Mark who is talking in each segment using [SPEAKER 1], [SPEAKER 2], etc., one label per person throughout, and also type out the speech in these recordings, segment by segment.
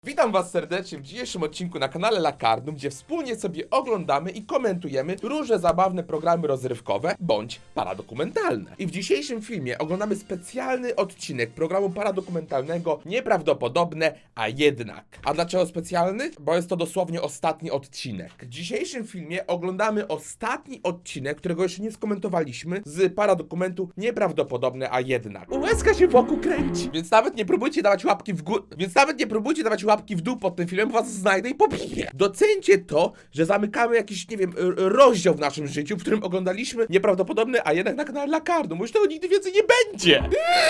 [SPEAKER 1] Witam was serdecznie w dzisiejszym odcinku na kanale Lakarnum, gdzie wspólnie sobie oglądamy i komentujemy różne zabawne programy rozrywkowe bądź paradokumentalne. I w dzisiejszym filmie oglądamy specjalny odcinek programu paradokumentalnego Nieprawdopodobne, a jednak. A dlaczego specjalny? Bo jest to dosłownie ostatni odcinek. W dzisiejszym filmie oglądamy ostatni odcinek, którego jeszcze nie skomentowaliśmy, z paradokumentu Nieprawdopodobne, a jednak. Łezka się wokół kręci, więc nawet nie próbujcie dawać łapki w górę, łapki w dół pod tym filmem, was znajdę i pobiję. Doceńcie to, że zamykamy jakiś, nie wiem, rozdział w naszym życiu, w którym oglądaliśmy Nieprawdopodobne, a jednak na kanale Lakarnum. Już tego nigdy więcej nie będzie.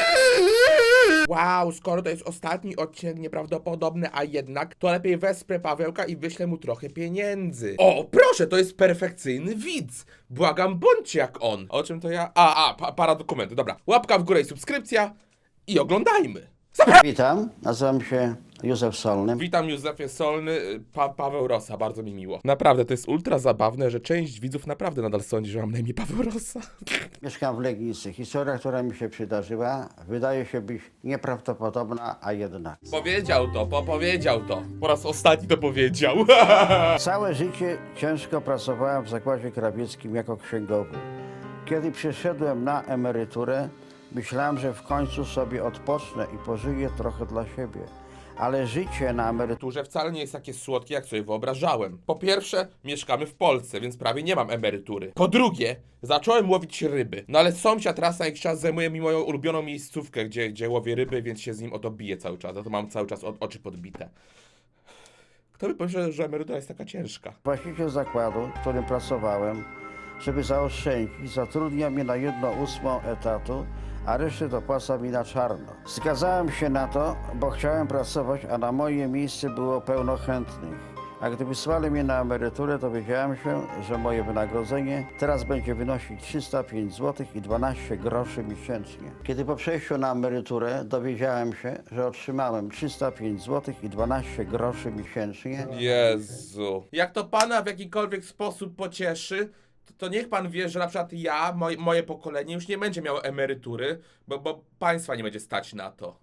[SPEAKER 1] Wow, skoro to jest ostatni odcinek Nieprawdopodobny, a jednak, to lepiej wesprę Pawełka i wyślę mu trochę pieniędzy. O, proszę, to jest perfekcyjny widz. Błagam, bądźcie jak on. O czym to ja? Paradokumenty, dobra. Łapka w górę i subskrypcja i oglądajmy.
[SPEAKER 2] Witam, nazywam się Józef Solny.
[SPEAKER 1] Witam, Józefie Solny, Paweł Rosa, bardzo mi miło. Naprawdę, to jest ultra zabawne, że część widzów naprawdę nadal sądzi, że mam na imię Paweł Rosa.
[SPEAKER 2] Mieszkam w Legnicy. Historia, która mi się przydarzyła, wydaje się być nieprawdopodobna, a jednak.
[SPEAKER 1] Powiedział to. Po raz ostatni to powiedział.
[SPEAKER 2] Całe życie ciężko pracowałem w zakładzie krawieckim jako księgowy. Kiedy przyszedłem na emeryturę, myślałem, że w końcu sobie odpocznę i pożyję trochę dla siebie. Ale życie na emeryturze
[SPEAKER 1] Wcale nie jest takie słodkie, jak sobie wyobrażałem. Po pierwsze, mieszkamy w Polsce, więc prawie nie mam emerytury. Po drugie, zacząłem łowić ryby. No ale sąsiad raz na jakiś czas zajmuje mi moją ulubioną miejscówkę, gdzie łowię ryby, więc się z nim o to biję cały czas. A to mam cały czas oczy podbite. Kto by pomyślał, że emerytura jest taka ciężka?
[SPEAKER 2] właściciel zakładu, w którym pracowałem, żeby zaoszczędzić, zatrudnia mnie na 1/8 etatu, a resztę dopłaca mi na czarno. Zgadzałem się na to, bo chciałem pracować, a na moje miejsce było pełno chętnych. A gdy wysłali mnie na emeryturę, dowiedziałem się, że moje wynagrodzenie teraz będzie wynosić 305 zł i 12 groszy miesięcznie. Kiedy po przejściu na emeryturę dowiedziałem się, że otrzymałem 305 zł i 12 groszy miesięcznie,
[SPEAKER 1] Jezu. Jak to pana w jakikolwiek sposób pocieszy, to niech pan wie, że na przykład ja, moje pokolenie już nie będzie miało emerytury, bo państwa nie będzie stać na to.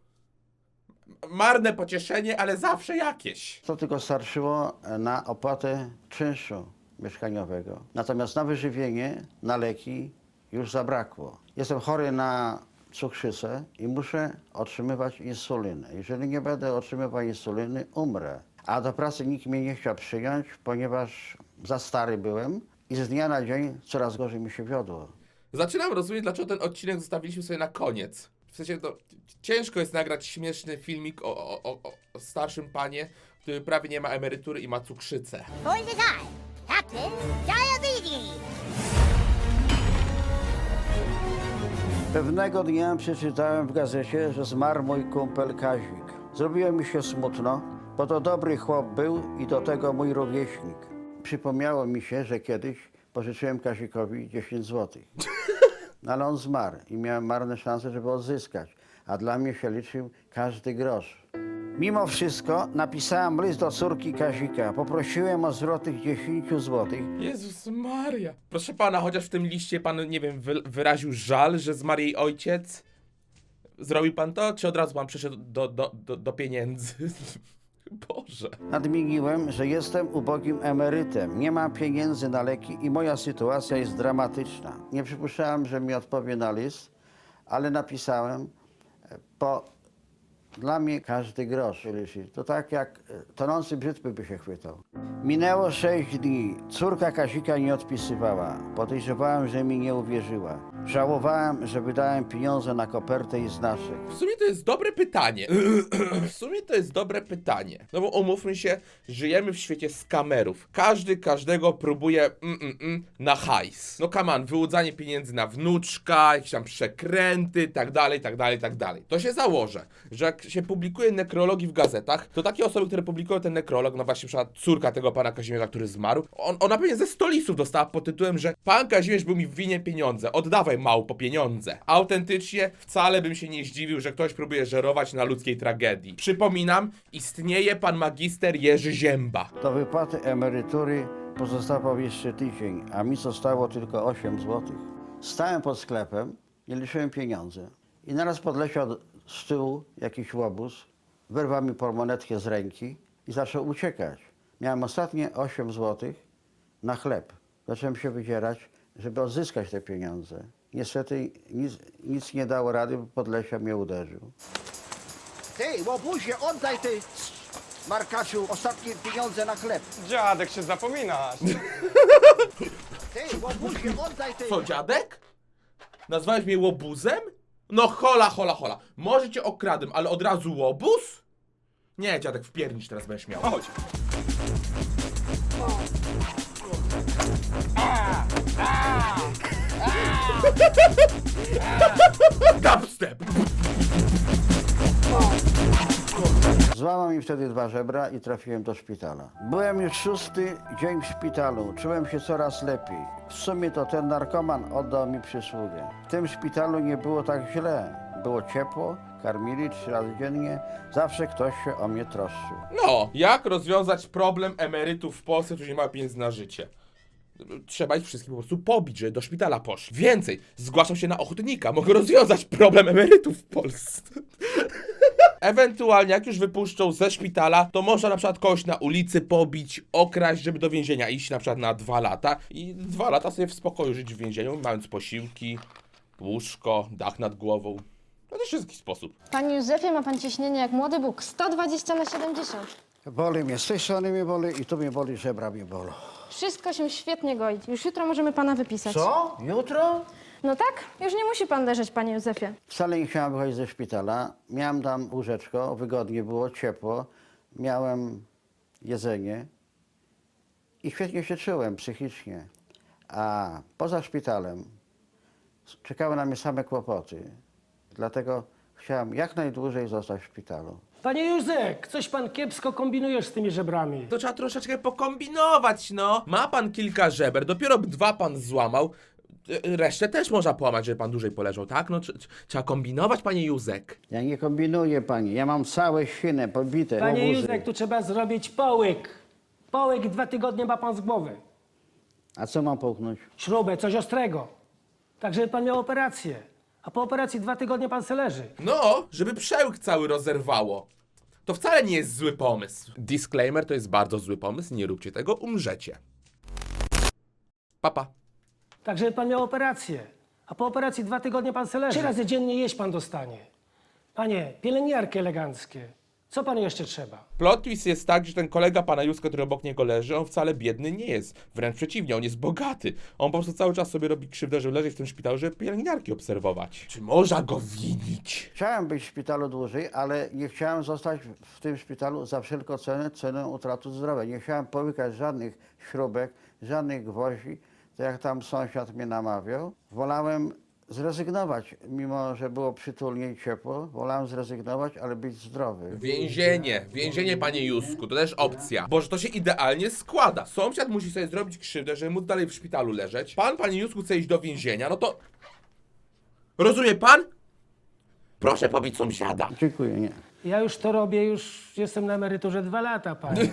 [SPEAKER 1] Marne pocieszenie, ale zawsze jakieś.
[SPEAKER 2] to tylko starczyło na opłatę czynszu mieszkaniowego. Natomiast na wyżywienie, na leki już zabrakło. Jestem chory na cukrzycę i muszę otrzymywać insulinę. Jeżeli nie będę otrzymywał insuliny, umrę. A do pracy nikt mnie nie chciał przyjąć, ponieważ za stary byłem i z dnia na dzień coraz gorzej mi się wiodło.
[SPEAKER 1] Zaczynam rozumieć, dlaczego ten odcinek zostawiliśmy sobie na koniec. W sensie, to ciężko jest nagrać śmieszny filmik o starszym panie, który prawie nie ma emerytury i ma cukrzycę.
[SPEAKER 3] Poison Eye, Captain Diabetes.
[SPEAKER 2] Pewnego dnia przeczytałem w gazecie, że zmarł mój kumpel Kazik. Zrobiło mi się smutno, bo to dobry chłop był i do tego mój rówieśnik. Przypomniało mi się, że kiedyś pożyczyłem Kazikowi 10 zł. No ale on zmarł i miałem marne szanse, żeby odzyskać, a dla mnie się liczył każdy grosz. Mimo wszystko napisałem list do córki Kazika. Poprosiłem o zwrot tych 10 zł.
[SPEAKER 1] Jezus Maria. Proszę pana, chociaż w tym liście pan, nie wiem, wyraził żal, że zmarł jej ojciec? Zrobił pan to, czy od razu pan przeszedł do pieniędzy? Boże.
[SPEAKER 2] Nadmieniłem, że jestem ubogim emerytem, nie mam pieniędzy na leki i moja sytuacja jest dramatyczna. Nie przypuszczałem, że mi odpowie na list, ale napisałem, bo dla mnie każdy grosz liczy. To tak jak tonący brzytwy by się chwytał. Minęło 6 dni. Córka Kazika nie odpisywała. Podejrzewałem, że mi nie uwierzyła. Żałowałem, że wydałem pieniądze na kopertę i znaczek.
[SPEAKER 1] W sumie to jest dobre pytanie. No bo umówmy się, żyjemy w świecie skamerów. Każdy każdego próbuje na hajs. No come on, wyłudzanie pieniędzy na wnuczka, jakieś tam przekręty, tak dalej. To się założę, że jak się publikuje nekrologii w gazetach, to takie osoby, które publikują ten nekrolog, no właśnie przykład córka tego pana Kazimierza, który zmarł, ona pewnie ze 100 listów dostała pod tytułem, że pan Kazimierz był mi w winie pieniądze, oddawaj małpo pieniądze. Autentycznie wcale bym się nie zdziwił, że ktoś próbuje żerować na ludzkiej tragedii. Przypominam, istnieje pan magister Jerzy Zięba.
[SPEAKER 2] Do wypłaty emerytury pozostawał jeszcze tydzień, a mi zostało tylko 8 zł. Stałem pod sklepem i liczyłem pieniądze. I naraz podleciał z tyłu jakiś łobuz Wyrwał mi portmonetkę z ręki i zaczął uciekać. Miałem ostatnie 8 zł na chleb. Zacząłem się wydzierać, żeby odzyskać te pieniądze. Niestety nic nie dało rady, bo Podlesia mnie uderzył. Ty, łobuzie, oddaj ty, Markaczu, ostatnie pieniądze na chleb.
[SPEAKER 4] Dziadek, się zapominasz.
[SPEAKER 2] Ty, łobuzie, oddaj ty.
[SPEAKER 1] Co, dziadek? Nazwałeś mnie łobuzem? No hola, hola, hola. Może cię okradłem, ale od razu łobuz? Nie, dziadek, wpiernicz teraz będziesz miał.
[SPEAKER 4] Chodź.
[SPEAKER 1] Dubstep!
[SPEAKER 2] Złamał mi wtedy 2 żebra i trafiłem do szpitala. Byłem już 6. dzień w szpitalu. Czułem się coraz lepiej. W sumie to ten narkoman oddał mi przysługę. W tym szpitalu nie było tak źle. Było ciepło, karmili 3 razy dziennie. Zawsze ktoś się o mnie troszczył.
[SPEAKER 1] No, jak rozwiązać problem emerytów w Polsce, którzy nie mają pieniędzy na życie? Trzeba ich wszystkich po prostu pobić, żeby do szpitala poszli. Więcej, zgłaszam się na ochotnika, mogę rozwiązać problem emerytów w Polsce. Ewentualnie, jak już wypuszczą ze szpitala, to można na przykład kogoś na ulicy pobić, okraść, żeby do więzienia iść na przykład na 2 lata i 2 lata sobie w spokoju żyć w więzieniu, mając posiłki, łóżko, dach nad głową. To też jest jakiś sposób.
[SPEAKER 5] Panie Józefie, ma pan ciśnienie jak młody Bóg, 120/70.
[SPEAKER 2] Boli mnie, z tej strony mnie boli i tu mnie boli, żebra mnie bolą.
[SPEAKER 5] Wszystko się świetnie goi. Już jutro możemy pana wypisać.
[SPEAKER 2] Co? Jutro?
[SPEAKER 5] No tak? Już nie musi pan leżeć, panie Józefie.
[SPEAKER 2] Wcale nie chciałem wychodzić ze szpitala. Miałem tam łóżeczko, wygodnie było, ciepło. Miałem jedzenie i świetnie się czułem psychicznie. A poza szpitalem czekały na mnie same kłopoty. Dlatego chciałem jak najdłużej zostać w szpitalu.
[SPEAKER 6] Panie Józek, coś pan kiepsko kombinujesz z tymi żebrami.
[SPEAKER 1] To trzeba troszeczkę pokombinować, no. Ma pan kilka żeber, dopiero 2 pan złamał. Resztę też można połamać, żeby pan dłużej poleżał, tak? No trzeba kombinować, panie Józek.
[SPEAKER 2] Ja nie kombinuję, pani. Ja mam całe świny pobite.
[SPEAKER 6] Panie
[SPEAKER 2] łobuzy.
[SPEAKER 6] Józek, tu trzeba zrobić połyk. Połyk i 2 tygodnie ma pan z głowy.
[SPEAKER 2] A co mam połknąć?
[SPEAKER 6] Śrubę, coś ostrego. Tak, żeby pan miał operację. A po operacji 2 tygodnie pan se leży.
[SPEAKER 1] No, żeby przełyk cały rozerwało. To wcale nie jest zły pomysł. Disclaimer, to jest bardzo zły pomysł, nie róbcie tego, umrzecie. Papa.
[SPEAKER 6] Tak, żeby pan miał operację. A po operacji 2 tygodnie pan se leży. 3 razy dziennie jeść pan dostanie. Panie, pielęgniarki eleganckie. Co panu jeszcze trzeba?
[SPEAKER 1] Plot twist jest tak, że ten kolega pana Józka, który obok niego leży, on wcale biedny nie jest. Wręcz przeciwnie, on jest bogaty. On po prostu cały czas sobie robi krzywdę, żeby leżeć w tym szpitalu, żeby pielęgniarki obserwować. Czy można go winić?
[SPEAKER 2] Chciałem być w szpitalu dłużej, ale nie chciałem zostać w tym szpitalu za wszelką cenę, cenę utraty zdrowia. Nie chciałem połykać żadnych śrubek, żadnych gwoździ, tak jak tam sąsiad mnie namawiał. Wolałem zrezygnować, mimo że było przytulnie i ciepło. Wolałem zrezygnować, ale być zdrowy.
[SPEAKER 1] Więzienie, panie Józku, to też opcja. Boże, to się idealnie składa. Sąsiad musi sobie zrobić krzywdę, żeby móc dalej w szpitalu leżeć. Pan, panie Józku, chce iść do więzienia, no to... Rozumie pan? Proszę pobić sąsiada.
[SPEAKER 2] Dziękuję, nie.
[SPEAKER 6] Ja już to robię, już jestem na emeryturze 2 lata, panie.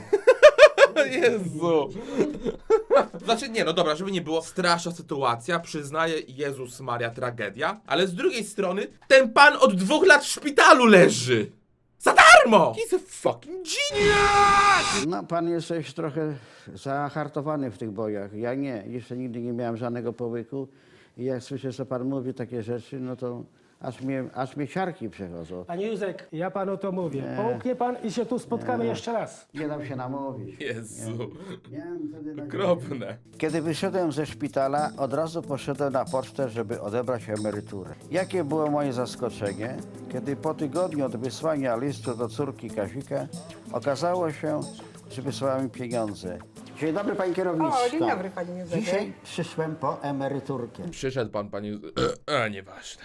[SPEAKER 1] Jezu. Znaczy nie, no dobra, żeby nie było straszna sytuacja, przyznaję, Jezus Maria, tragedia, ale z drugiej strony ten pan od 2 lat w szpitalu leży. Za darmo! He's a fucking genius!
[SPEAKER 2] No, pan jesteś trochę zahartowany w tych bojach. Ja nie. Jeszcze nigdy nie miałem żadnego połyku. I jak słyszę, co pan mówi, takie rzeczy, no to aż mnie ciarki przechodzą.
[SPEAKER 6] Panie Józek, ja panu to mówię. Połknie pan i się tu spotkamy jeszcze raz.
[SPEAKER 2] Nie dam się namówić.
[SPEAKER 1] Jezu,
[SPEAKER 2] Miałem wtedy nadzieję.
[SPEAKER 1] okropne.
[SPEAKER 2] Kiedy wyszedłem ze szpitala, od razu poszedłem na pocztę, żeby odebrać emeryturę. Jakie było moje zaskoczenie, kiedy po tygodniu od wysłania listu do córki Kazika okazało się, że wysłała mi pieniądze. Dzień dobry, panie kierowniczko.
[SPEAKER 7] O, dzień dobry, panie Józefie.
[SPEAKER 2] Dzisiaj przyszłem po emeryturkę.
[SPEAKER 1] Przyszedł pan, panie... nieważne.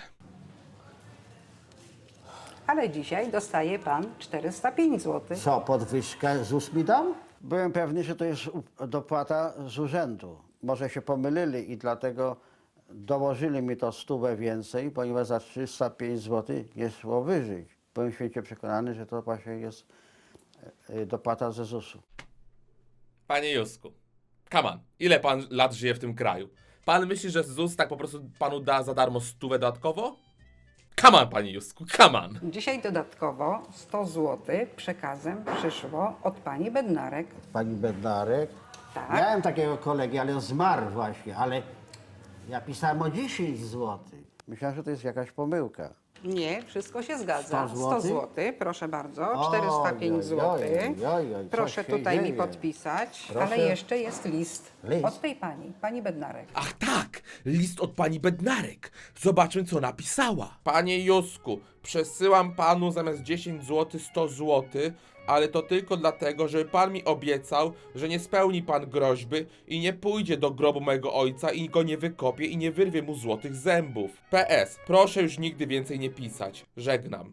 [SPEAKER 7] Ale dzisiaj dostaje pan 405 zł.
[SPEAKER 2] Co, podwyżkę ZUS mi dał? Byłem pewny, że to jest dopłata z urzędu. Może się pomylili i dlatego dołożyli mi to 100 więcej, ponieważ za 305 zł nie szło wyżyć. Byłem święcie przekonany, że to właśnie jest dopłata ze ZUS-u.
[SPEAKER 1] Panie Józku, come on, ile pan lat żyje w tym kraju? Pan myśli, że ZUS tak po prostu panu da za darmo 100 dodatkowo? Come on, panie Józku, come on.
[SPEAKER 7] Dzisiaj dodatkowo 100 zł przekazem przyszło od pani Bednarek.
[SPEAKER 2] Pani Bednarek.
[SPEAKER 7] Tak.
[SPEAKER 2] Miałem takiego kolegi, ale on zmarł właśnie, ale ja pisałem o 10 zł. Myślałem, że to jest jakaś pomyłka.
[SPEAKER 7] Nie, wszystko się zgadza.
[SPEAKER 2] 100
[SPEAKER 7] 100 zł, proszę bardzo, 405
[SPEAKER 2] Oj,
[SPEAKER 7] zł.
[SPEAKER 2] oj, oj, oj, oj,
[SPEAKER 7] Proszę
[SPEAKER 2] coś się
[SPEAKER 7] tutaj mi
[SPEAKER 2] dzieje.
[SPEAKER 7] podpisać,
[SPEAKER 2] Proszę.
[SPEAKER 7] ale jeszcze jest list
[SPEAKER 2] List.
[SPEAKER 7] od tej pani Bednarek.
[SPEAKER 1] Ach tak, list od pani Bednarek. Zobaczmy, co napisała. Panie Józku, przesyłam panu zamiast 10 zł 100 zł, ale to tylko dlatego, żeby pan mi obiecał, że nie spełni pan groźby i nie pójdzie do grobu mojego ojca i go nie wykopie i nie wyrwie mu złotych zębów. PS, proszę już nigdy więcej nie pisać. Żegnam.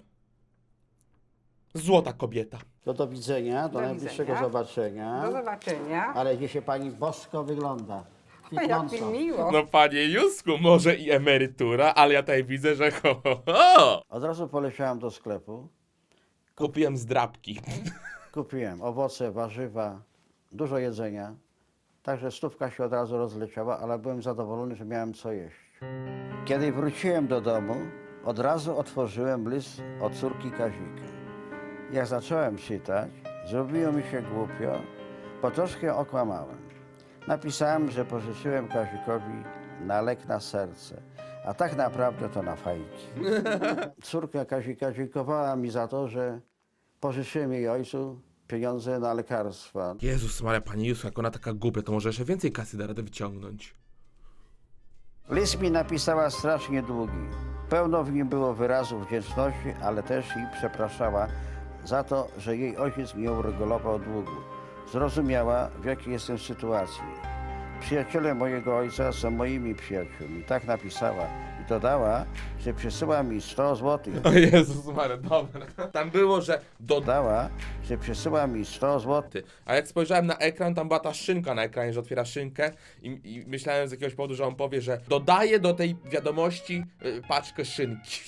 [SPEAKER 1] Złota kobieta.
[SPEAKER 2] To do widzenia, do
[SPEAKER 7] Do
[SPEAKER 2] najbliższego
[SPEAKER 7] widzenia.
[SPEAKER 2] zobaczenia.
[SPEAKER 7] Do zobaczenia.
[SPEAKER 2] Ale dzisiaj pani bosko wygląda.
[SPEAKER 7] Jak
[SPEAKER 2] Kwitnąco.
[SPEAKER 7] mi miło.
[SPEAKER 1] No panie Józku, może i emerytura, ale ja tutaj widzę, że ho.
[SPEAKER 2] Od razu poleciałem do sklepu.
[SPEAKER 1] Kupiłem zdrabki.
[SPEAKER 2] Kupiłem owoce, warzywa, dużo jedzenia. Także stówka się od razu rozleciała, ale byłem zadowolony, że miałem co jeść. Kiedy wróciłem do domu, od razu otworzyłem list od córki Kazika. Jak zacząłem czytać, zrobiło mi się głupio, bo troszkę okłamałem. Napisałem, że pożyczyłem Kazikowi na lek na serce, a tak naprawdę to na fajki. Córka Kazika dziękowała mi za to, że pożyczyłem jej ojcu pieniądze na lekarstwa.
[SPEAKER 1] Jezus Maria, pani Józku, jak ona taka głupia, to może jeszcze więcej kasy da radę wyciągnąć.
[SPEAKER 2] List mi napisała strasznie długi. Pełno w nim było wyrazów wdzięczności, ale też i przepraszała za to, że jej ojciec nie uregulował długu. Zrozumiała, w jakiej jestem sytuacji. Przyjaciele mojego ojca są moimi przyjaciółmi. Tak napisała i dodała, że przesyła mi 100 zł.
[SPEAKER 1] O Jezus Maria, dobra. Tam było, że
[SPEAKER 2] Dodała, że przesyła mi 100 zł.
[SPEAKER 1] ty. A jak spojrzałem na ekran, tam była ta szynka na ekranie, że otwiera szynkę i myślałem z jakiegoś powodu, że on powie, że dodaje do tej wiadomości paczkę szynki.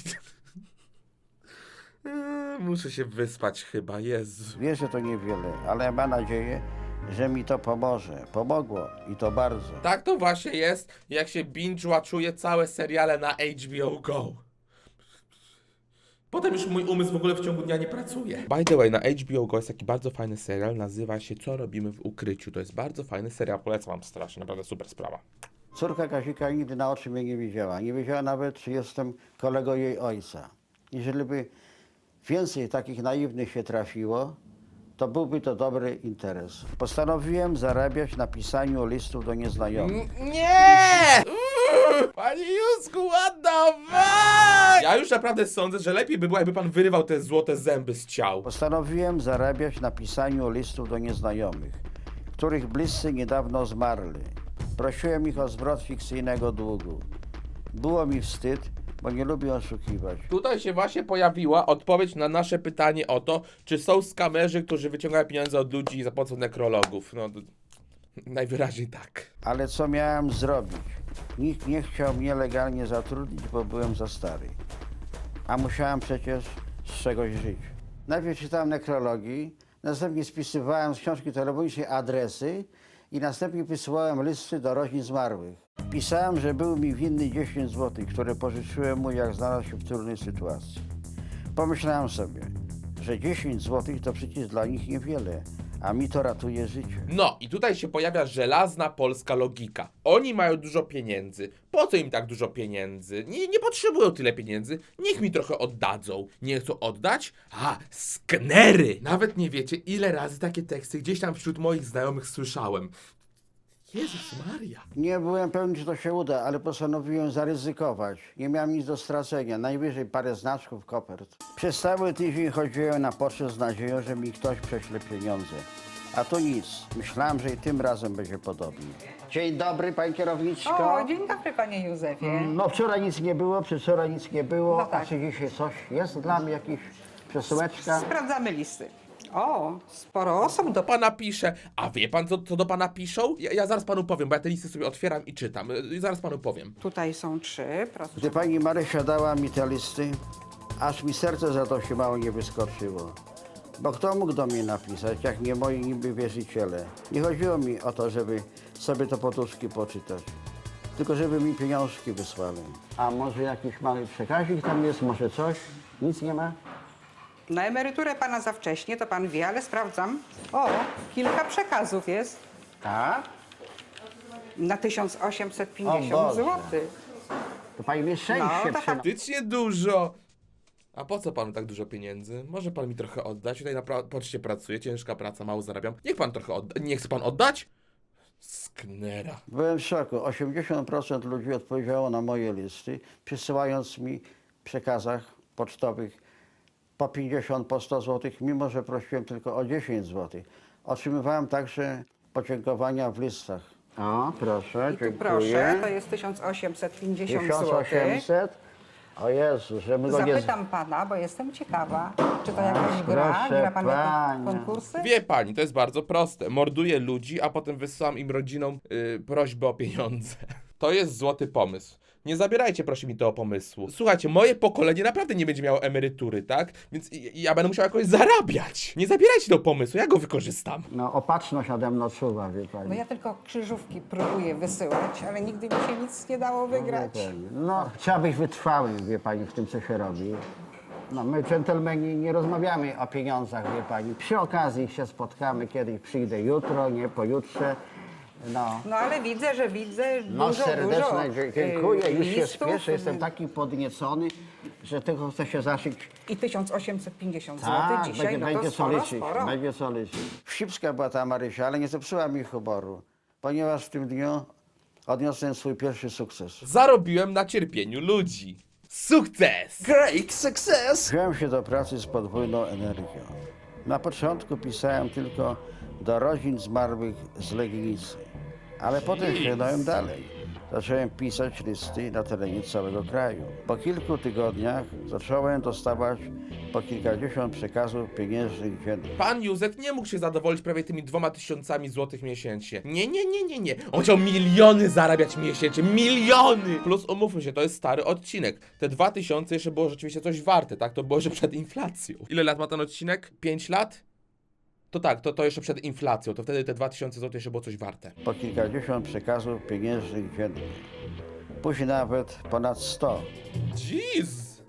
[SPEAKER 1] Muszę się wyspać chyba, Jezu.
[SPEAKER 2] Wie, że to niewiele, ale ma nadzieję, że mi to pomoże. Pomogło i to bardzo.
[SPEAKER 1] Tak to właśnie jest, jak się binge-watchuje całe seriale na HBO Go. Potem już mój umysł w ogóle w ciągu dnia nie pracuje. By the way, na HBO Go jest taki bardzo fajny serial, nazywa się Co robimy w ukryciu. To jest bardzo fajny serial, polecam wam strasznie, naprawdę super sprawa.
[SPEAKER 2] Córka Kazika nigdy na oczy mnie nie widziała. Nie wiedziała nawet, czy jestem kolegą jej ojca. Jeżeli by więcej takich naiwnych się trafiło, to byłby to dobry interes. Postanowiłem zarabiać na pisaniu listów do nieznajomych.
[SPEAKER 1] Nie! Panie Józku, what the fuck? Ja już naprawdę sądzę, że lepiej by było, jakby pan wyrywał te złote zęby z ciał.
[SPEAKER 2] Postanowiłem zarabiać na pisaniu listów do nieznajomych, których bliscy niedawno zmarli. Prosiłem ich o zwrot fikcyjnego długu. Było mi wstyd, bo nie lubię oszukiwać.
[SPEAKER 1] Tutaj się właśnie pojawiła odpowiedź na nasze pytanie o to, czy są skamerzy, którzy wyciągają pieniądze od ludzi za pomocą nekrologów. No, najwyraźniej tak.
[SPEAKER 2] Ale co miałem zrobić? Nikt nie chciał mnie legalnie zatrudnić, bo byłem za stary. A musiałem przecież z czegoś żyć. Najpierw czytałem nekrologii, następnie spisywałem z książki telefonicznej adresy i następnie wysyłałem listy do rodzin zmarłych. Pisałem, że był mi winny 10 zł, które pożyczyłem mu, jak znalazł się w trudnej sytuacji. Pomyślałem sobie, że 10 zł to przecież dla nich niewiele, a mi to ratuje życie.
[SPEAKER 1] No i tutaj się pojawia żelazna polska logika. Oni mają dużo pieniędzy. Po co im tak dużo pieniędzy? Nie potrzebują tyle pieniędzy. Niech mi trochę oddadzą. Nie chcą oddać? A, sknery! Nawet nie wiecie, ile razy takie teksty gdzieś tam wśród moich znajomych słyszałem. Jezus Maria.
[SPEAKER 2] Nie byłem pewny, czy to się uda, ale postanowiłem zaryzykować. Nie miałem nic do stracenia, najwyżej parę znaczków, kopert. Przez cały tydzień chodziłem na pocztę z nadzieją, że mi ktoś prześle pieniądze. A tu nic. Myślałem, że i tym razem będzie podobnie. Dzień dobry, pani kierowniczko.
[SPEAKER 7] O, dzień dobry, panie Józefie.
[SPEAKER 2] No wczoraj nic nie było, przedwczoraj nic nie było.
[SPEAKER 7] No tak.
[SPEAKER 2] A czy dzisiaj coś jest dla mnie, jakieś przesyłeczka?
[SPEAKER 7] Sprawdzamy listy. O, sporo osób do...
[SPEAKER 1] Pana pisze. A wie pan, co do pana piszą? Ja zaraz panu powiem, bo ja te listy sobie otwieram i czytam. Zaraz panu powiem.
[SPEAKER 7] Tutaj są 3, proszę.
[SPEAKER 2] Gdy pani Marysia dała mi te listy, aż mi serce za to się mało nie wyskoczyło. Bo kto mógł do mnie napisać, jak nie moi niby wierzyciele? Nie chodziło mi o to, żeby sobie to potuszki poczytać. tylko żeby mi pieniążki wysłali. A może jakiś mały przekazik tam jest, może coś? Nic nie ma?
[SPEAKER 7] Na emeryturę pana za wcześnie, to pan wie, ale sprawdzam. O, kilka przekazów jest
[SPEAKER 2] Tak?
[SPEAKER 7] na
[SPEAKER 2] O
[SPEAKER 7] 1850
[SPEAKER 2] Boże.
[SPEAKER 7] zł.
[SPEAKER 2] To pani mnie szczęście
[SPEAKER 7] No, to
[SPEAKER 2] przyda.
[SPEAKER 1] Faktycznie dużo. A po co panu tak dużo pieniędzy? Może pan mi trochę oddać? Tutaj na poczcie pracuję, ciężka praca, mało zarabiam. Niech pan trochę odda. Nie chce pan oddać? Sknera.
[SPEAKER 2] Byłem w szoku. 80% ludzi odpowiedziało na moje listy, przysyłając mi w przekazach pocztowych po 50, po 100 zł, mimo że prosiłem tylko o 10 zł. Otrzymywałem także podziękowania w listach. O, proszę,
[SPEAKER 7] I tu proszę, to jest 1850 zł.
[SPEAKER 2] 1800? O Jezu, że my go nie...
[SPEAKER 7] Zapytam pana, bo jestem ciekawa, czy to jakaś gra?
[SPEAKER 2] proszę
[SPEAKER 7] Gra pan
[SPEAKER 2] pani.
[SPEAKER 7] jakieś konkursy?
[SPEAKER 1] Wie pani, to jest bardzo proste. Morduję ludzi, a potem wysyłam im rodzinom prośbę o pieniądze. To jest złoty pomysł. Nie zabierajcie proszę mi tego pomysłu. Słuchajcie, moje pokolenie naprawdę nie będzie miało emerytury, tak? Więc ja będę musiał jakoś zarabiać. Nie zabierajcie tego pomysłu, ja go wykorzystam.
[SPEAKER 2] No, opatrzność ade mną czuwa, wie pani.
[SPEAKER 7] No ja tylko krzyżówki próbuję wysyłać, ale nigdy mi się nic nie dało wygrać.
[SPEAKER 2] No, trzeba być wytrwałym, wie pani, w tym, co się robi. No, my, dżentelmeni, nie rozmawiamy o pieniądzach, wie pani. Przy okazji się spotkamy, kiedyś przyjdę jutro, nie pojutrze. No,
[SPEAKER 7] No ale widzę
[SPEAKER 2] no
[SPEAKER 7] dużo,
[SPEAKER 2] serdeczne dziękuję, już się
[SPEAKER 7] listów.
[SPEAKER 2] spieszę, jestem taki podniecony, że tego chcę się zaszyć.
[SPEAKER 7] I 1850 zł
[SPEAKER 2] Tak,
[SPEAKER 7] dzisiaj, no to
[SPEAKER 2] będzie co
[SPEAKER 7] sporo,
[SPEAKER 2] liczyć,
[SPEAKER 7] sporo.
[SPEAKER 2] będzie co liczyć. Wścibska była ta Marysia, ale nie zepsuła mi humoru, ponieważ w tym dniu odniosłem swój pierwszy sukces.
[SPEAKER 1] Zarobiłem na cierpieniu ludzi. Sukces!
[SPEAKER 8] Great success!
[SPEAKER 2] Wziąłem się do pracy z podwójną energią. Na początku pisałem tylko do rodzin zmarłych z Legnicy, ale potem sięgnąłem dalej. Zacząłem pisać listy na terenie całego kraju. Po kilku tygodniach zacząłem dostawać po kilkadziesiąt przekazów pieniężnych dziennie.
[SPEAKER 1] Pan Józef nie mógł się zadowolić prawie tymi 2000 złotych miesięcznie. Nie. On chciał miliony zarabiać miesięcznie. Miliony! Plus umówmy się, to jest stary odcinek. Te 2000 jeszcze było rzeczywiście coś warte, tak? To było jeszcze przed inflacją. Ile lat ma ten odcinek? 5 lat? To tak, to jeszcze przed inflacją. To wtedy te 2000 złotych jeszcze było coś warte.
[SPEAKER 2] Po kilkadziesiąt przekazów pieniężnych dziennie. Później nawet ponad 100.
[SPEAKER 1] Jeez!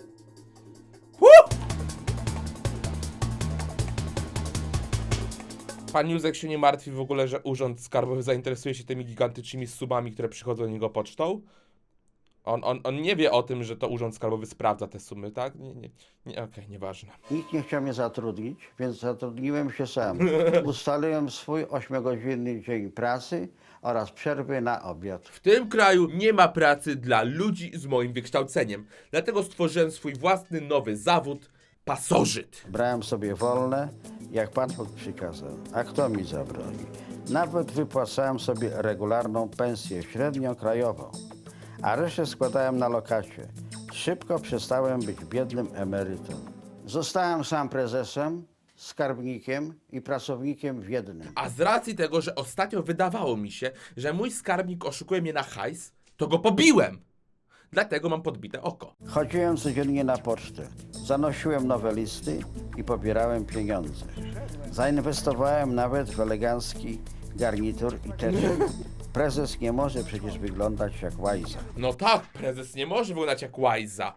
[SPEAKER 1] Pan Józek się nie martwi w ogóle, że Urząd Skarbowy zainteresuje się tymi gigantycznymi sumami, które przychodzą do niego pocztą? On nie wie o tym, że to Urząd Skarbowy sprawdza te sumy, tak? Nie, okej, nieważne.
[SPEAKER 2] Nikt nie chciał mnie zatrudnić, więc zatrudniłem się sam. Ustaliłem swój 8-godzinny dzień pracy oraz przerwy na obiad.
[SPEAKER 1] W tym kraju nie ma pracy dla ludzi z moim wykształceniem. Dlatego stworzyłem swój własny nowy zawód – pasożyt.
[SPEAKER 2] Brałem sobie wolne, jak Pan Bóg przykazał. A kto mi zabroni? Nawet wypłacałem sobie regularną pensję średnią krajową, a resztę składałem na lokacie. Szybko przestałem być biednym emerytem. Zostałem sam prezesem, skarbnikiem i pracownikiem w jednym.
[SPEAKER 1] A z racji tego, że ostatnio wydawało mi się, że mój skarbnik oszukuje mnie na hajs, to go pobiłem. Dlatego mam podbite oko.
[SPEAKER 2] Chodziłem codziennie na pocztę, zanosiłem nowe listy i pobierałem pieniądze. Zainwestowałem nawet w elegancki garnitur i teczek. Prezes nie może przecież wyglądać jak łajza.
[SPEAKER 1] No tak, prezes nie może wyglądać jak łajza.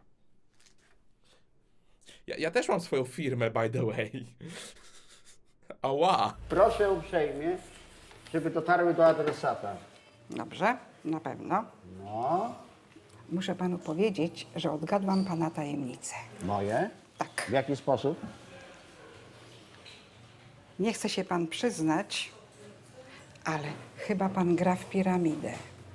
[SPEAKER 1] Ja też mam swoją firmę, by the way. Ała.
[SPEAKER 2] Proszę uprzejmie, żeby dotarły do adresata.
[SPEAKER 7] Dobrze, na pewno.
[SPEAKER 2] No,
[SPEAKER 7] Muszę panu powiedzieć, że odgadłam pana tajemnicę.
[SPEAKER 2] moje?
[SPEAKER 7] Tak.
[SPEAKER 2] W jaki sposób?
[SPEAKER 7] Nie chce się pan przyznać, ale chyba pan gra w piramidę.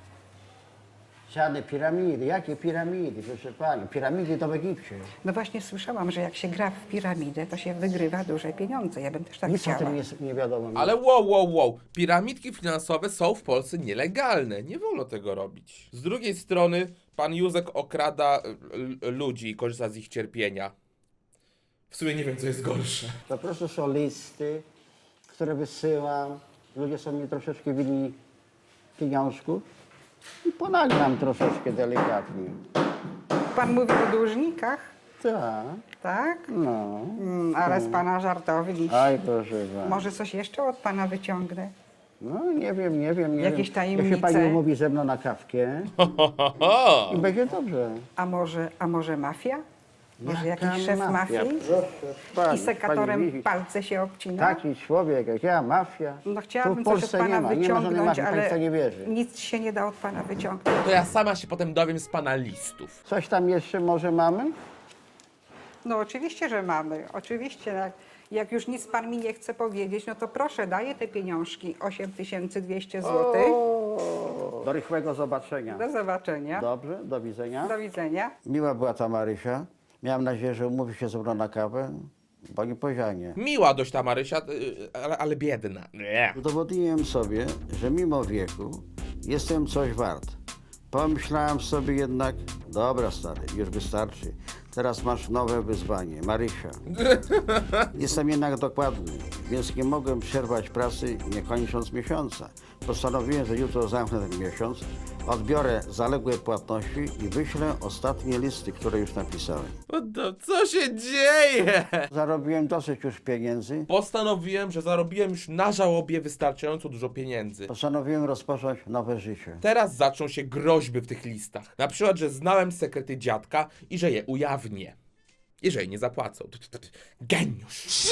[SPEAKER 2] Żadne piramidy. Jakie piramidy, proszę pani? Piramidy to w Egipcie.
[SPEAKER 7] No właśnie słyszałam, że jak się gra w piramidę, to się wygrywa duże pieniądze. Ja bym też tak
[SPEAKER 2] Nic o
[SPEAKER 7] chciała.
[SPEAKER 2] tym nie wiadomo.
[SPEAKER 1] Ale wow. Piramidki finansowe są w Polsce nielegalne. Nie wolno tego robić. Z drugiej strony, pan Józek okrada ludzi i korzysta z ich cierpienia. W sumie nie wiem, co jest gorsze.
[SPEAKER 2] To proszę są listy, które wysyłam. Ludzie są mi troszeczkę winni pieniążków i ponagram troszeczkę delikatnie.
[SPEAKER 7] Pan mówi o dłużnikach,
[SPEAKER 2] Tak,
[SPEAKER 7] tak?
[SPEAKER 2] no.
[SPEAKER 7] Ale z pana żartownik.
[SPEAKER 2] Aj, proszę pana.
[SPEAKER 7] Może coś jeszcze od pana wyciągnę?
[SPEAKER 2] No nie wiem.
[SPEAKER 7] Jakieś
[SPEAKER 2] Jeśli
[SPEAKER 7] tajemnice?
[SPEAKER 2] pani umówi ze mną na kawkę i będzie dobrze.
[SPEAKER 7] A może mafia? Może
[SPEAKER 2] Jaka
[SPEAKER 7] jakiś szef
[SPEAKER 2] mafia?
[SPEAKER 7] mafii?
[SPEAKER 2] Proszę pani,
[SPEAKER 7] I sekatorem
[SPEAKER 2] pani widzi.
[SPEAKER 7] palce się obcina?
[SPEAKER 2] Taki człowiek jak ja, mafia.
[SPEAKER 7] No
[SPEAKER 2] Tu
[SPEAKER 7] chciałabym
[SPEAKER 2] w
[SPEAKER 7] coś od
[SPEAKER 2] Polsce
[SPEAKER 7] pana
[SPEAKER 2] nie ma żadnej
[SPEAKER 7] wyciągnąć,
[SPEAKER 2] mafii, pani w to
[SPEAKER 7] ale
[SPEAKER 2] nie wierzy.
[SPEAKER 7] nic się nie da od pana wyciągnąć.
[SPEAKER 1] To ja sama się potem dowiem z pana listów.
[SPEAKER 2] Coś tam jeszcze może mamy?
[SPEAKER 7] No oczywiście, że mamy. Oczywiście. Jak już nic pan mi nie chce powiedzieć, no to proszę, daję te pieniążki, 8200 zł.
[SPEAKER 2] Do rychłego zobaczenia.
[SPEAKER 7] Do zobaczenia.
[SPEAKER 2] Dobrze, do widzenia.
[SPEAKER 7] Do widzenia.
[SPEAKER 2] Miła była ta Marysia. Miałem nadzieję, że umówi się ze mną na kawę, bo nie powiedziała nie.
[SPEAKER 1] Miła dość ta Marysia, ale biedna. Nie.
[SPEAKER 2] Udowodniłem sobie, że mimo wieku jestem coś wart. Pomyślałem sobie jednak, dobra stary, już wystarczy. Teraz masz nowe wyzwanie, Marysia. Jestem jednak dokładny, więc nie mogłem przerwać pracy nie kończąc miesiąca. Postanowiłem, że jutro zamknę ten miesiąc, odbiorę zaległe płatności i wyślę ostatnie listy, które już napisałem.
[SPEAKER 1] Co się dzieje?
[SPEAKER 2] Zarobiłem dosyć już pieniędzy.
[SPEAKER 1] Postanowiłem, że zarobiłem już na żałobie wystarczająco dużo pieniędzy.
[SPEAKER 2] Postanowiłem rozpocząć nowe życie.
[SPEAKER 1] Teraz zaczną się groźby w tych listach. Na przykład, że znałem sekrety dziadka i że je ujawnię. Jeżeli nie zapłacą. Geniusz!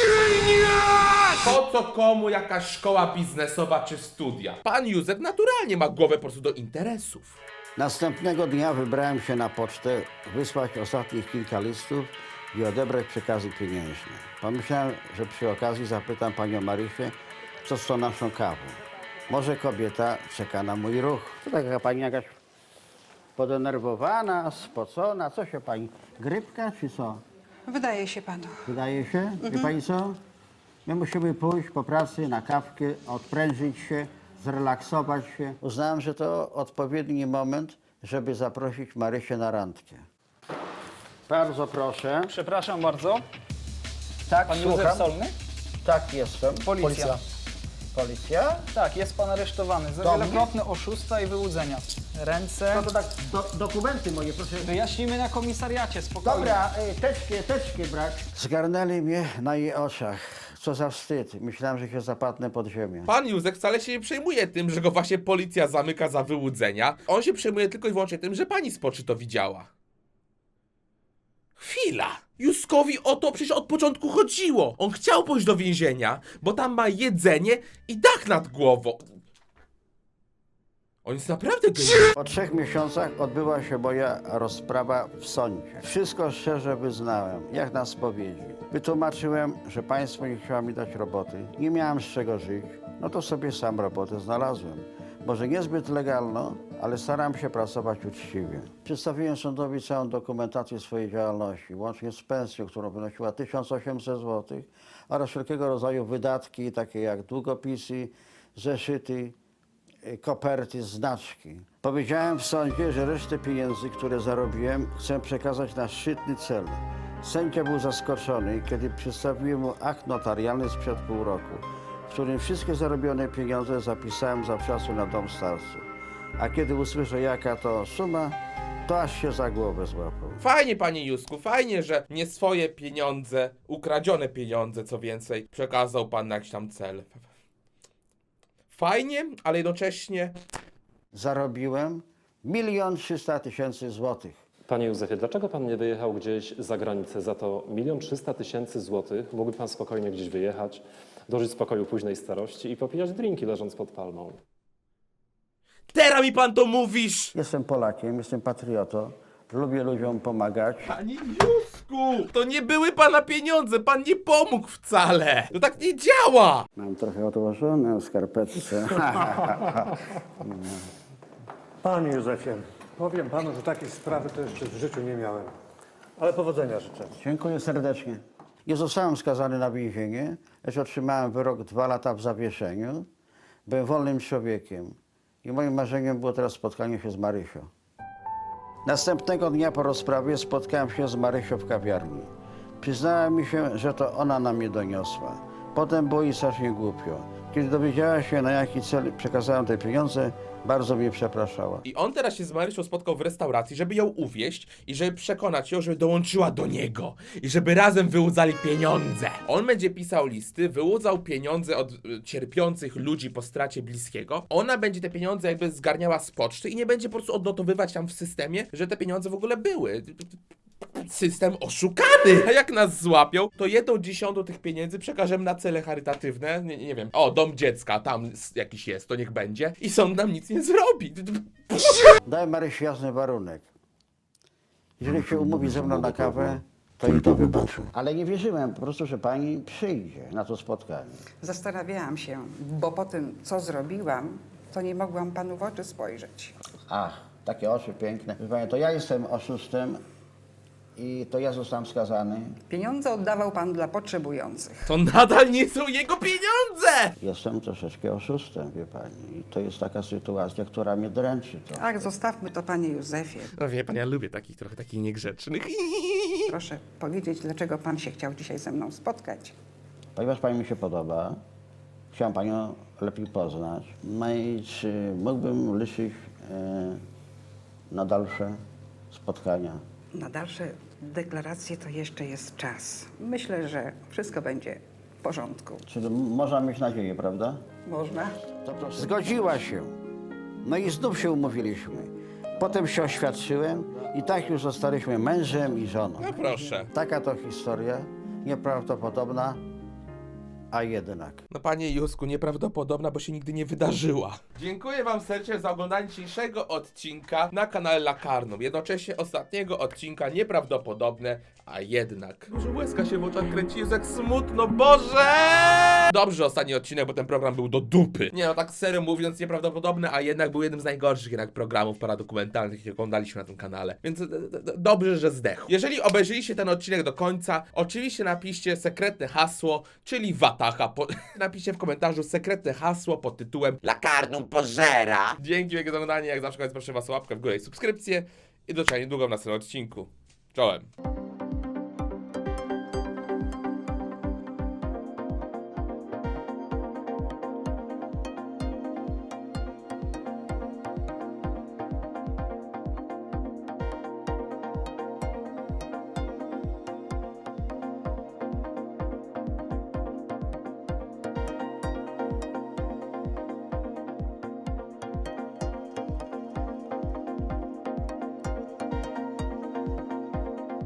[SPEAKER 1] Po co komu jakaś szkoła biznesowa czy studia? Pan Józef naturalnie ma głowę po prostu do interesów.
[SPEAKER 2] Następnego dnia wybrałem się na pocztę, wysłać ostatnich kilka listów i odebrać przekazy pieniężne. Pomyślałem, że przy okazji zapytam panią Marysię, co z tą naszą kawą. Może kobieta czeka na mój ruch. To taka pani jakaś podenerwowana, spocona. Co się pani, grypka czy co?
[SPEAKER 7] Wydaje się panu.
[SPEAKER 2] Wydaje się? Wie pani co? My musimy pójść po pracy na kawkę, odprężyć się, zrelaksować się. Uznałem, że to odpowiedni moment, żeby zaprosić Marysię na randkę. Bardzo proszę.
[SPEAKER 8] Przepraszam bardzo.
[SPEAKER 2] Tak,
[SPEAKER 8] Pan Józef
[SPEAKER 2] słucham.
[SPEAKER 8] Solny?
[SPEAKER 2] Tak, jestem.
[SPEAKER 8] Policja.
[SPEAKER 2] Policja?
[SPEAKER 8] Tak, jest pan aresztowany za
[SPEAKER 2] Dobrze.
[SPEAKER 8] wielokrotne oszustwa i wyłudzenia. Ręce.
[SPEAKER 2] No to tak, dokumenty moje, proszę.
[SPEAKER 8] Wyjaśnimy na komisariacie, spokojnie.
[SPEAKER 2] Dobra, teczki brak. Zgarnęli mnie na jej oczach. Co za wstyd. Myślałem, że się zapadnę pod ziemię.
[SPEAKER 1] Pan Józef wcale się nie przejmuje tym, że go właśnie policja zamyka za wyłudzenia. On się przejmuje tylko i wyłącznie tym, że pani Spoczy to widziała. Chwila! Józkowi o to przecież od początku chodziło. On chciał pójść do więzienia, bo tam ma jedzenie i dach nad głową. On jest naprawdę genialny.
[SPEAKER 2] Po 3 miesiącach odbyła się moja rozprawa w sądzie. Wszystko szczerze wyznałem, jak na spowiedzi. Wytłumaczyłem, że państwo nie chciało mi dać roboty. Nie miałem z czego żyć. No to sobie sam robotę znalazłem. Może niezbyt legalną, ale staram się pracować uczciwie. Przedstawiłem sądowi całą dokumentację swojej działalności, łącznie z pensją, którą wynosiła 1800 zł, oraz wszelkiego rodzaju wydatki, takie jak długopisy, zeszyty, koperty, znaczki. Powiedziałem w sądzie, że resztę pieniędzy, które zarobiłem, chcę przekazać na szczytny cel. Sędzia był zaskoczony, kiedy przedstawiłem mu akt notarialny sprzed pół roku, w którym wszystkie zarobione pieniądze zapisałem zawczasu na dom starców. A kiedy usłyszę, jaka to suma, to aż się za głowę złapał.
[SPEAKER 1] Fajnie, panie Józku, fajnie, że nie swoje pieniądze, ukradzione pieniądze, co więcej, przekazał pan na jakiś tam cel. Fajnie, ale jednocześnie...
[SPEAKER 2] Zarobiłem 1 300 000 złotych.
[SPEAKER 9] Panie Józefie, dlaczego pan nie wyjechał gdzieś za granicę? Za to 1 300 000 złotych mógłby pan spokojnie gdzieś wyjechać, dożyć spokoju późnej starości i popijać drinki leżąc pod palmą.
[SPEAKER 1] Teraz mi pan to mówisz!
[SPEAKER 2] Jestem Polakiem, jestem patriotą, lubię ludziom pomagać.
[SPEAKER 1] Panie Józku! To nie były pana pieniądze, pan nie pomógł wcale! To tak nie działa!
[SPEAKER 2] Mam trochę odłożone w skarpetce.
[SPEAKER 10] Panie Józefie, powiem panu, że takiej sprawy to jeszcze w życiu nie miałem. Ale powodzenia życzę.
[SPEAKER 2] Dziękuję serdecznie. Nie zostałem skazany na więzienie, lecz otrzymałem wyrok 2 lata w zawieszeniu. Byłem wolnym człowiekiem i moim marzeniem było teraz spotkanie się z Marysią. Następnego dnia po rozprawie spotkałem się z Marysią w kawiarni. Przyznała mi się, że to ona na mnie doniosła. Potem było jej strasznie głupio. Kiedy dowiedziała się, na jaki cel przekazałem te pieniądze, bardzo mnie przepraszała.
[SPEAKER 1] I on teraz się z Marysią spotkał w restauracji, żeby ją uwieść i żeby przekonać ją, żeby dołączyła do niego i żeby razem wyłudzali pieniądze. On będzie pisał listy, wyłudzał pieniądze od cierpiących ludzi po stracie bliskiego. Ona będzie te pieniądze jakby zgarniała z poczty i nie będzie po prostu odnotowywać tam w systemie, że te pieniądze w ogóle były. System oszukany! A jak nas złapią, to 1/10 tych pieniędzy przekażemy na cele charytatywne. Nie wiem. O, dom dziecka, tam jakiś jest, to niech będzie. I sąd nam nic nie zrobi.
[SPEAKER 2] Dałem Marysi jasny warunek. Jeżeli się umówi ze mną na kawę, to jej to wybaczę. Ale nie wierzyłem po prostu, że pani przyjdzie na to spotkanie.
[SPEAKER 7] Zastanawiałam się, bo po tym, co zrobiłam, to nie mogłam panu w oczy spojrzeć.
[SPEAKER 2] Ach, takie oczy piękne. Wie pani, to ja jestem oszustem i to ja zostałem skazany.
[SPEAKER 7] Pieniądze oddawał pan dla potrzebujących.
[SPEAKER 1] To nadal nie są jego pieniądze!
[SPEAKER 2] Jestem troszeczkę oszustem, wie pani. I to jest taka sytuacja, która mnie dręczy. To.
[SPEAKER 7] Tak, zostawmy to, panie Józefie.
[SPEAKER 1] No wie pan, ja lubię trochę takich niegrzecznych.
[SPEAKER 7] Proszę powiedzieć, dlaczego pan się chciał dzisiaj ze mną spotkać.
[SPEAKER 2] Ponieważ pani mi się podoba, chciałem panią lepiej poznać. No i czy mógłbym liczyć na dalsze spotkania?
[SPEAKER 7] Na dalsze deklaracje to jeszcze jest czas. Myślę, że wszystko będzie w porządku.
[SPEAKER 2] Czyli można mieć nadzieję, prawda?
[SPEAKER 7] Można?
[SPEAKER 2] To proszę. Zgodziła się. No i znów się umówiliśmy. Potem się oświadczyłem i tak już zostaliśmy mężem i żoną.
[SPEAKER 1] No proszę.
[SPEAKER 2] Taka to historia, nieprawdopodobna, a jednak.
[SPEAKER 1] No panie Józku, nieprawdopodobna, bo się nigdy nie wydarzyła. Dziękuję wam serdecznie za oglądanie dzisiejszego odcinka na kanale Lakarnum. Jednocześnie ostatniego odcinka nieprawdopodobne, a jednak. Może łezka się w oczach kręci, jest jak smutno, Boże! Dobrze, że ostatni odcinek, bo ten program był do dupy. Nie no, tak serio mówiąc, nieprawdopodobne, a jednak był jednym z najgorszych jednak programów paradokumentalnych, jakie oglądaliśmy na tym kanale. Więc dobrze, że zdechł. Jeżeli obejrzyliście ten odcinek do końca, oczywiście napiszcie sekretne hasło, czyli Wataha. Napiszcie w komentarzu sekretne hasło pod tytułem Lakarnum pożera. Dzięki wielkie za oglądanie, jak zawsze proszę was o łapkę w górę i subskrypcję. I do zobaczenia niedługo w następnym odcinku. Czołem.